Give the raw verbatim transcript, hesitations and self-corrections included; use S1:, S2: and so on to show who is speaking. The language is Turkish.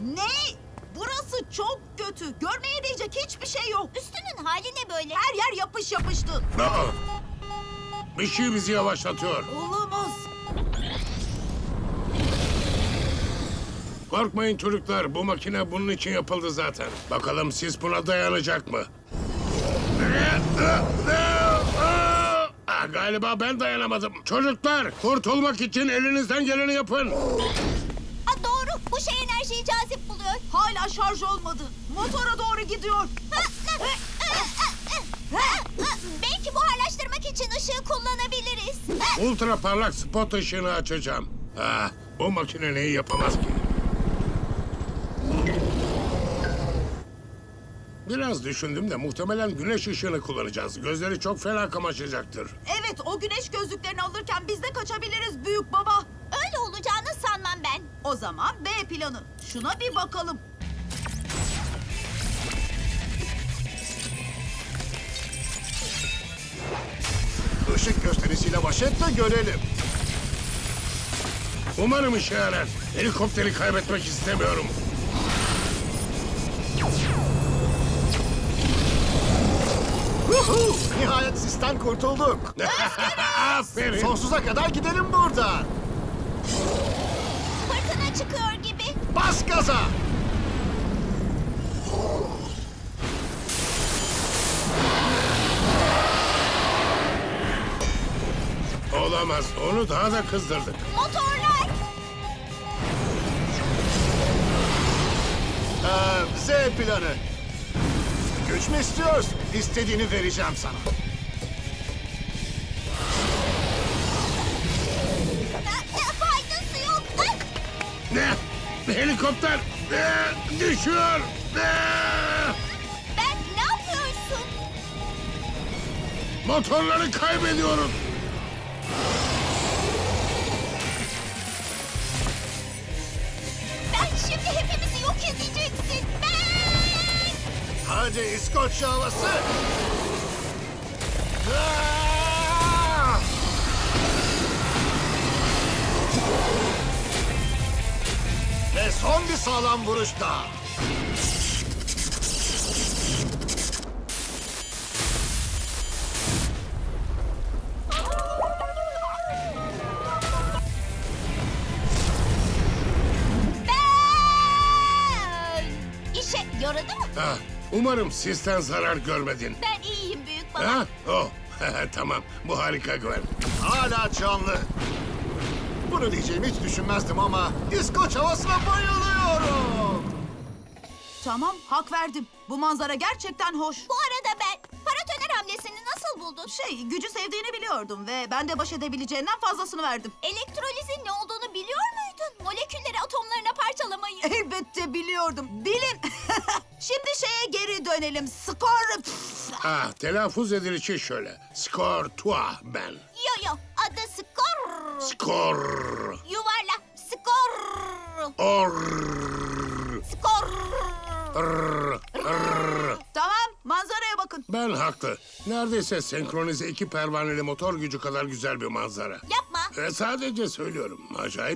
S1: Ne? Burası çok kötü. Görmeye değecek hiçbir şey yok.
S2: Üstünün hali ne böyle?
S1: Her yer yapış yapıştı.
S3: Aa, bir şey bizi yavaşlatıyor.
S1: Olamaz.
S3: Korkmayın çocuklar, bu makine bunun için yapıldı zaten. Bakalım siz buna dayanacak mı? Ah, galiba ben dayanamadım. Çocuklar, kurtulmak için elinizden geleni yapın.
S2: Ha, doğru. Bu şey enerjiyi cazip buluyor.
S1: Hala şarj olmadı. Motora doğru gidiyor.
S2: Ha, ha, ha, ha, ha. Belki buharlaştırmak için ışığı kullanabiliriz. Ha,
S3: Ultra parlak spot ışığını açacağım. Ah, bu makine neyi yapamaz ki? Biraz düşündüm de muhtemelen güneş ışığını kullanacağız. Gözleri çok fena kamaşacaktır.
S1: Evet, o güneş gözlüklerini alırken biz de kaçabiliriz büyük baba.
S2: öyle olacağını sanmam ben.
S1: O zaman B planı. Şuna bir bakalım.
S4: Işık gösterisiyle baş et de görelim.
S3: Umarım işe yarar. Helikopteri kaybetmek istemiyorum.
S4: Huhu! Nihayet sisten kurtulduk.
S3: Aferin.
S4: Sonsuza kadar gidelim buradan.
S2: Fırtına çıkıyor gibi.
S4: Bas gaza.
S3: Olamaz. Onu daha da kızdırdık.
S2: Motorlar.
S4: Ee, Z planı. Güç mü istiyorsun? İstediğini vereceğim sana.
S2: Ha, ha, faydası yok. Ha,
S3: Ne? Helikopter ne? Düşüyor. Ne?
S2: ben ne yapıyorsun?
S3: Motorları kaybediyoruz.
S2: Ben şimdi hepimizi yok edeceksin. Ben.
S4: Hadi İskoçya havası. Ah! Ve son bir sağlam vuruş daha.
S2: Ben. İşe yaradı mı?
S3: Ah, umarım sizden zarar görmedin.
S2: Ben iyiyim büyük baba.
S3: Ha? Oh. Tamam. Bu harika Gwen.
S4: Hala canlı. Bunu diyeceğimi hiç düşünmezdim ama İskoç havasına bayılıyorum.
S1: Tamam, hak verdim. Bu manzara gerçekten hoş.
S2: Bu arada ben paratoner hamlesini nasıl buldun?
S1: Şey, gücü sevdiğini biliyordum ve ben de baş edebileceğinden fazlasını verdim.
S2: Elektrolizin ne olduğunu biliyor muydun? Molekülleri atomlarına parçalamayı.
S1: Elbette biliyordum. Bilin. Şimdi şeye geri dönelim. Skor...
S3: Ah, telaffuz edilişi şöyle. Skor toi ben.
S2: Yo yo, adı skor.
S3: Skor.
S2: Yuvarla, skor.
S3: Or.
S2: Skor.
S3: Rrr, rrr.
S1: Tamam, manzaraya bakın.
S3: Ben haklı. Neredeyse senkronize iki pervaneli motor gücü kadar güzel bir manzara.
S2: Yapma.
S3: E, sadece söylüyorum. Acayip